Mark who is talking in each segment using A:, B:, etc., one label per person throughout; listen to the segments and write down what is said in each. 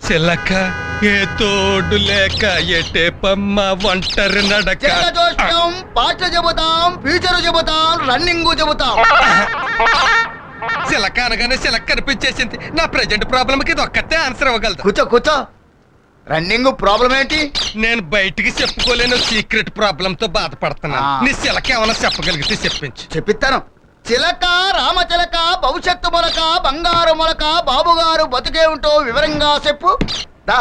A: చిలక ఏ తోడు లేక ఎటే పమ్మ ఒంటరి నడక.
B: పాటలు చెబుతాం, ఫ్యూచర్ చెబుతాం, రన్నింగ్ చెబుతాం.
A: చిలక అనగానే చిలక కనిపించేసింది. నా ప్రెజెంట్ ప్రాబ్లం కి ఇది ఒక్కతే ఆన్సర్ ఇవ్వగలదు.
B: కూర్చో కూర్చో. రన్నింగ్ ప్రాబ్లం ఏంటి?
A: నేను బయటికి చెప్పుకోలేను సీక్రెట్ ప్రాబ్లం తో బాధపడుతున్నాను. నీ చిలక ఏమైనా చెప్పగలిగితే చెప్పించు.
B: చెప్పిస్తాను. చిలక రామచిలక భవిష్యత్తు మొలక బంగారు మొలక బాబుగారు బతుకే ఉంటూ వివరంగా చెప్పు. దా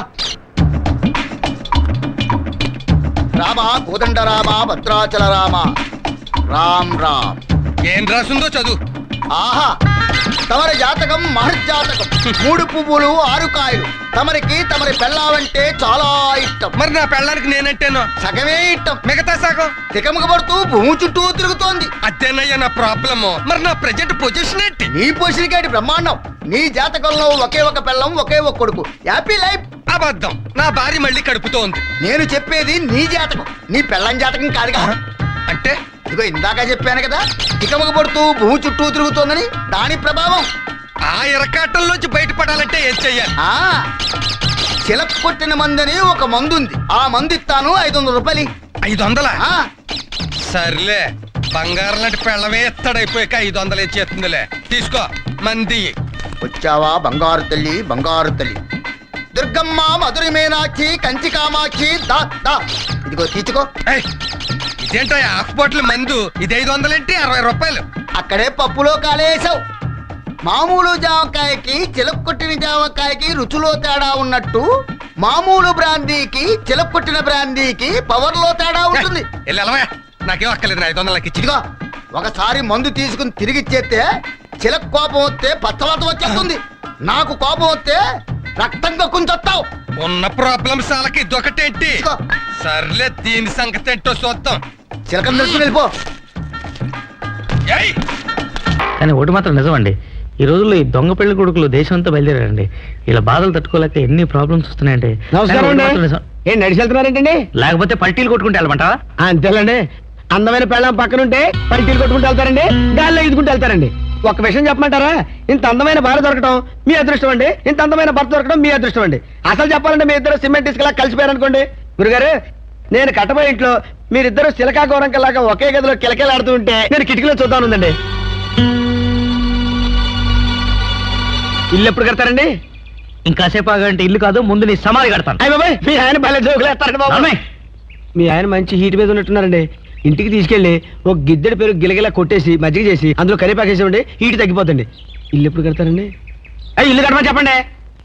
B: రామ కోదండ రామ భద్రాచల రామ రామ్ రామ్.
A: ఏం రాసిందో చదువు.
B: ఆహా, తమరి జాతకం మహర్జాతకం. 3 పువ్వులు 6 కాయలు. తమరి పెళ్ళావంటే చాలా ఇష్టం.
A: మరి నా పెళ్ళానికి నేనంటేనో
B: సగమే ఇష్టం,
A: మిగతా సగం
B: తికమక పడుతూ భూమి చుట్టూ తిరుగుతోంది.
A: అదేనయ్యా నా ప్రాబ్లము. మరి నా ప్రెజెంట్ పొజిషన్ ఏంటి?
B: నీ పొజిషన్ ఏంటి? బ్రహ్మాండం. నీ జాతకంలో ఒకే ఒక పెళ్ళం, ఒకే ఒక కొడుకు. Happy life.
A: అబద్ధం. నా భార్య మళ్ళీ కడుపుతో ఉంది.
B: నేను చెప్పేది నీ జాతకం, నీ పెళ్ళం జాతకం కాదుగా.
A: అంటే
B: ఇదిగో ఇందాక చెప్పాను కదా, తికమక పడుతూ భూమి చుట్టూ తిరుగుతోందని. దాని ప్రభావం.
A: ఆ ఇరకాటంలోంచి బయటపడాలంటే ఏం చెయ్యాలి?
B: చిలక కొట్టిన మందని ఒక మందు ఉంది. ఆ మందు ఇస్తాను, 500 రూపాయలు.
A: 500? సర్లే, బంగారం లాంటి పెళ్ళమే ఎత్తడైపోయాక 500 ఇచ్చేస్తుందిలే. తీసుకో మంది.
B: వచ్చావా బంగారు తల్లి, బంగారు తల్లి. దుర్గమ్మ, మధురి మీనాక్షి, కంచి కామాక్షి. దా దా, ఇదిగో తీసుకో.
A: ఇదేంటో హాఫ్ బాటిల్ మందు. ఇది 500 ఏంటి? 60 రూపాయలు.
B: అక్కడే పప్పులో కాలేసావు. మామూలు జామకాయకి చిలక కొట్టిన జామకాయకి రుచిలో తేడా ఉన్నట్టు, మామూలు బ్రాందీకి చిలక కొట్టిన బ్రాందీకి పవర్ లో తేడా ఉంటుంది.
A: నాకేం అక్కర్లేదు. 500 ఇచ్చి.
B: ఇదిగో, ఒకసారి మందు తీసుకుని తిరిగిచ్చేస్తే చిలక కోపం వస్తే పచ్చవాత వచ్చేస్తుంది. నాకు కోపం వస్తే రక్తం కక్కుంచొస్తావు.
A: ఉన్న ప్రాబ్లమ్స్ వాళ్ళకి ఇదొకటేంటి? సర్లే, దీని సంగతి ఏంటో చూద్దాం.
B: చిలకం తెలుసుకుని వెళ్ళిపో.
C: కానీ ఒకటి మాత్రం నిజమండి, ఈ రోజుల్లో ఈ దొంగ పెళ్లి కొడుకులు దేశం అంతా బయలుదేరారండి. ఇలా బాధలు తట్టుకోలేక ఎన్ని ప్రాబ్లమ్స్ వస్తున్నాయండి.
D: ఏం నడిచి వెళ్తున్నారేంటండి?
C: లేకపోతే పల్టీలు కొట్టుకుంటే వెళ్ళమంటావా?
D: అంతేలండి. అందమైన పెళ్ళం పక్కనుంటే పల్టీలు కొట్టుకుంటూ వెళ్తారండి, గాల్లో ఈదుకుంటూ వెళ్తారండి. ఒక విషయం చెప్పమంటారా? ఇంత అందమైన భార్య దొరకడం మీ అదృష్టం అండి, ఇంత అందమైన భర్త దొరకడం మీ అదృష్టం అండి. అసలు చెప్పాలంటే మీ ఇద్దరు సిమెంట్ ఇసుకలా కలిసిపోయారనుకోండి. గురుగారు, నేను కట్టబోయే ఇంట్లో మీరిద్దరు సిలకా గౌరంకలాగా ఒకే గదిలో కిలకిలాడుతూ ఉంటే నేను కిటికీలో చూద్దానుందండి. ఇల్లు ఎప్పుడు కడతారండి?
C: ఇంకాసేపు ఆగంటే ఇల్లు కాదు, ముందు నీ సమాధి కడతాను.
D: అయ్య బాబాయ్, మీ ఆయన భలే జోకులు వేస్తారండి బాబు. మీ ఆయన మంచి హీట్ మీద ఉన్నట్టున్నారండి. ఇంటికి తీసుకెళ్లి ఒక గిద్దెడి పేరు గిలగిలా కొట్టేసి మజ్జిగ చేసి అందులో కరివేపాకేసి హీట్ తగ్గిపోతుంది. ఇల్లు ఎప్పుడు కడతారండి? ఇల్లు కట్టమని చెప్పండి.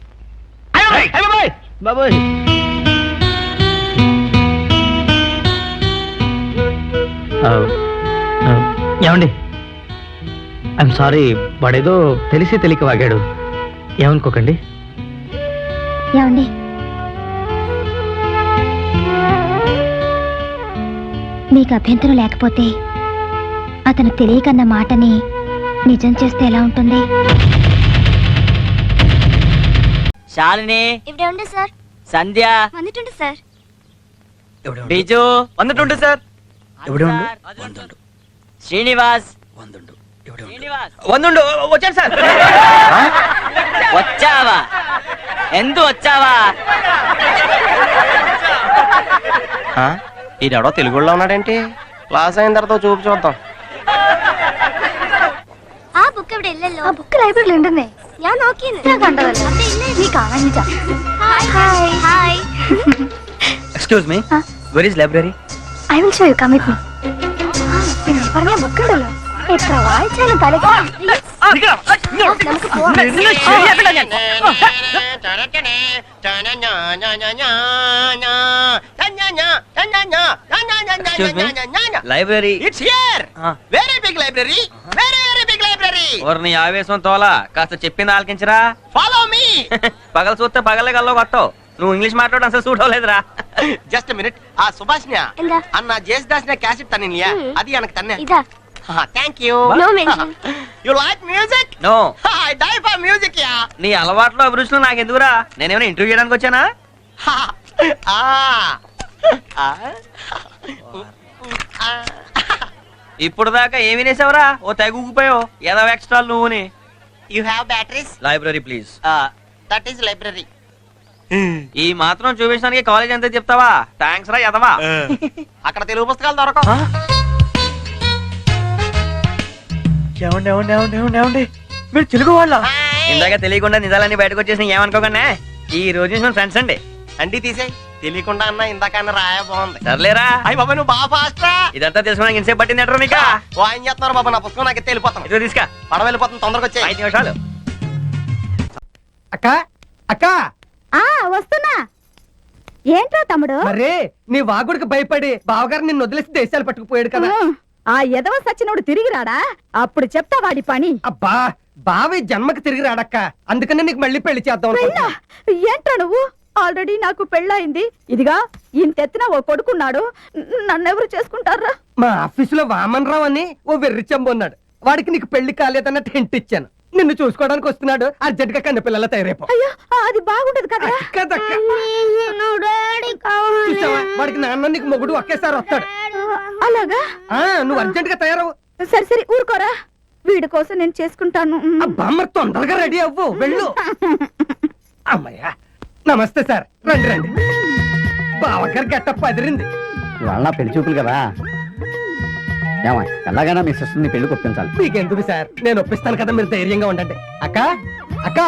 D: బాబోయ్,
C: ఏమండి, ఐఎమ్ సారీ, వాడేదో తెలిసి తెలియక వాగాడు, ఏమనుకోకండి.
E: ఏమండి, మీకు అభ్యంతరం లేకపోతే అతను తెలియకన్న మాటని నిజం చేస్తే ఎలా ఉంటుంది?
F: Shalini,
E: sir.
F: Sandhya,
E: sir.
F: Biju, sir. Srinivas, వచ్చాను సార్. వచ్చావా? ఎందు వచ్చావా?
G: ఈడెవడో తెలుగులో ఉన్నాడేంటి? క్లాస్ అయిన తర్వాత చూపు చూద్దాం.
E: ആ ബുക്ക് ഇവിടെ ഇല്ലല്ലോ. ആ ബുക്ക് ലൈബ്രറിയിൽ ഉണ്ടെന്നേ. ഞാൻ നോക്കിയത്. ഞാൻ കണ്ടതല്ല. നീ കാണാനില്ല. Hi hi.
F: Excuse me, where is library?
E: I will show you, come with me. പിന്നെ പറഞ്ഞ ബുക്ക് ഉണ്ടല്ലോ, എത്ര വായിച്ചാലും തലക്ക്. നമുക്ക് പോവാം.
F: Library.
G: It's here. Very big library, very very big library.
F: నీ ఆవేశం తోలా, కాస్త చెప్పింది ఆలకించరా.
G: Follow me.
F: పగల చూస్తే పగలే గల్లో కొట్టవు. నువ్వు ఇంగ్లీష్ మాట్లాడడం అసలు సూట్ అవ్వలేదురా.
G: Just minute. ఆ సుభాష్నియా అన్న జేసుదాస్ క్యాసెట్ తన్నియా, అది எனக்கு తన్నే.
E: ఇదా.
G: Thank you.
E: No mention.
G: You like music?
F: No,
G: I die for music yeah.
F: నీ అలవాట్లో అభిరుచులు నాకు ఎందుకురా? నేనేమైనా ఇంటర్వ్యూ చేయడానికి వచ్చానా? ఇప్పుడు దాకా ఏమి నేసావురా? ఓ తెగుపోయావు ఏదో ఎక్స్ట్రా నువ్వుని.
G: You have batteries?
F: Library please.
G: That is library.
F: ఈ మాత్రం చూపించడానికి కాలేజ్ అంతా చెప్తావా? థ్యాంక్స్ రా ఎదవా.
G: అక్కడ తెలుగు పుస్తకాలు దొరకవు.
F: మీరు తెలుగు వాళ్ళ? ఇందాక తెలియకుండా నిజాలన్నీ బయటకు వచ్చేసిన ఏమనుకోకుండా ఈ రోజు నుంచి ఫ్రెండ్స్ అండి.
G: అండి తీసేయ్. తెలియకుండా అన్న ఇందాక అన్న రాయ బాగుంది.
F: సర్లేరా.
G: అయ్యి బాబా నువ్వు బాగా ఫాస్ట్ రా.
F: ఇదంతా తెలుసుకోవడానికి ఇంతసేపు పట్టింది ఎట్రా నీకా?
G: ఓ ఆయన చేస్తున్నారు బాబా, నా పుస్తకం నాకు వెళ్ళిపోతాను.
F: ఇదిగో తీసుకా.
G: పడవ వెళ్ళిపోతాను, తొందరగా వచ్చే.
F: 5 నిమిషాలు.
D: అక్క అక్క
E: ఆ వస్తున్నా. ఏంట్రా తమ్ముడు?
D: మరే నీ వాగుడికి భయపడి బావగారు నిన్ను వదిలేసి దేశాలు పట్టుకుపోయాడు కదా.
E: ఆ ఎదవ సచ్చినోడు తిరిగి రాడా? అప్పుడు చెప్తా వాడి పని.
D: అబ్బా బావి జన్మకి తిరిగి రాడక్క, అందుకనే నీకు మళ్ళీ పెళ్లి చేద్దాం అనుకుంటున్నా.
E: ఏంట్రా నువ్వు? ఆల్రెడీ నాకు పెళ్ళయింది. ఇదిగా ఇంతెత్తిన ఓ కొడుకున్నాడు. నన్నెవరు చేసుకుంటారా?
D: మా ఆఫీసులో వామన్ రావు అని ఓ వెర్రి చెంబు ఉన్నాడు. వాడికి నీకు పెళ్లి కాలేదన్న టెంట్ ఇచ్చాను. నిన్ను చూసుకోవడానికి వస్తున్నాడు. అర్జెంట్ గా కన్న పిల్లల తయారైపో.
E: అయ్యో అది బాగుంటది కదా.
D: కదక్క చూసావా, వాడికి నాన్న నీకు మొగుడు ఒకేసారి వస్తాడు.
E: అలాగా?
D: నువ్వు అర్జెంట్ గా తయారవు.
E: సరే సరే ఊరుకోరా. వీడి కోసం నేను చేసుకుంటాను.
D: అబ్బా మరి తొందరగా రెడీ అవ్వు, వెళ్ళు. అమ్మయ్యా నమస్తే సార్, రండి రండి. బావగారు గట్టప్ప అదిరింది.
H: ఇవాళ నా పెళ్లి చూపులు కదా, ఏమా ఎలాగైనా మీ సిస్టర్ని పెళ్లి ఒప్పించాలి.
D: మీకెందుకు సార్, నేను ఒప్పిస్తాను కదా, మీరు ధైర్యంగా ఉండండి. అక్క అక్క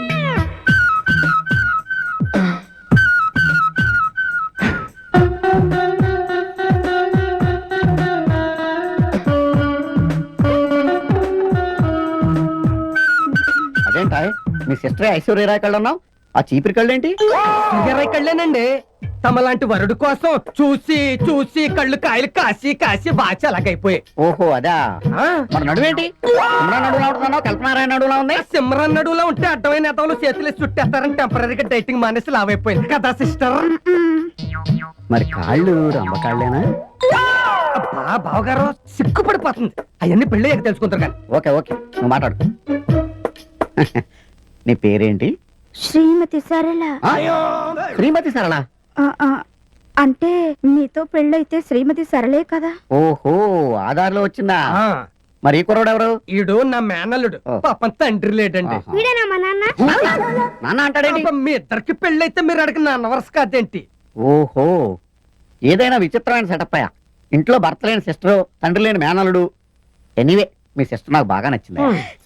H: అదేంటా మీ సిస్టర్ ఐశ్వర్యరాయ్ కళ్ళు అన్నావు, ఆ చీపిరి కళ్ళు ఏంటి?
D: కళ్ళేనండి. తమలాంటి వరుడు కోసం చూసి చూసి కళ్ళు కాయలు కాసి కాసి బాచి అలాగైపోయాయి.
H: ఓహో అదా. మరి నడువేంటి? సిమ్రాన్ నడువులా ఉంటున్నావు, కల్పనారాయణ నడువులా ఉంది.
D: సిమ్రాన్ నడువులో ఉంటే అడ్డమైన నేతలు చేతులు చుట్టేస్తారని టెంపరీగా డైటింగ్ మానేసి లావైపోయింది కదా సిస్టర్.
H: మరి కాళ్ళు రంబ కాళ్ళేనా?
D: అబ్బా బావగారు సిగ్గుపడిపోతుంది. అవన్నీ పెళ్ళి తెలుసుకుంటారు కానీ.
H: ఓకే ఓకే నువ్వు మాట్లాడు. నీ పేరేంటి?
E: శ్రీమతి సరళ.
H: శ్రీమతి సరళ?
E: అంటే నీతో పెళ్ళైతే శ్రీమతి సరళే కదా.
H: ఓహో ఆధార్లో వచ్చిందా? మరి ఈ కుర్రోడు ఎవరు?
D: ఈడు నా మేనల్లుడు. పాపం తండ్రి లేడండి.
H: నాన్న అంటాడేంటి?
D: పాపం మీ ఇద్దరికి పెళ్ళైతే మీరు అడిగిన నాన్న వరుస కాదేంటి?
H: ఓహో ఏదైనా విచిత్రమైన సెటప్ అయ్యా. ఇంట్లో భర్త లేని సిస్టర్, తండ్రి లేని మేనల్లుడు. ఎనీవే మీ సిస్టర్ నాకు బాగా నచ్చింది.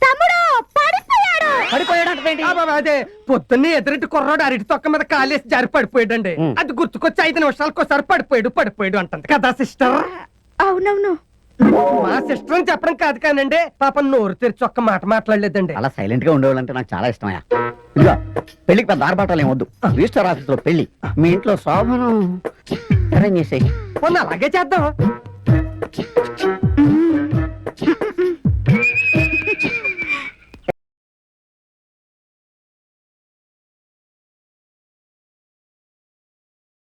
D: అదే పొద్దున్నే ఎదురింటి కుర్రాడు అరటి తొక్క మీద కాలేసి జారి పడిపోయాడండి. అది గుర్తుకొచ్చి 5 నిమిషాలకు ఒకసారి పడిపోయాడు అంటుంది కదా సిస్టర్.
E: అవునవును.
H: మా సిస్టర్ అని చెప్పడం కాదు కానండి, పాపం నోరు తెరిచి ఒక్క మాట మాట్లాడలేదండి.
G: అలా సైలెంట్ గా ఉండేవాళ్ళంటే నాకు చాలా ఇష్టమయ్యా. ఇదిగో పెళ్లికి పెద్ద ఆర్భాటాలు ఏం వద్దు, రిజిస్టర్ ఆఫీస్ లో పెళ్లి, మీ ఇంట్లో శోభను అరేంజ్ చేసేయి.
H: అలాగే చేద్దాం.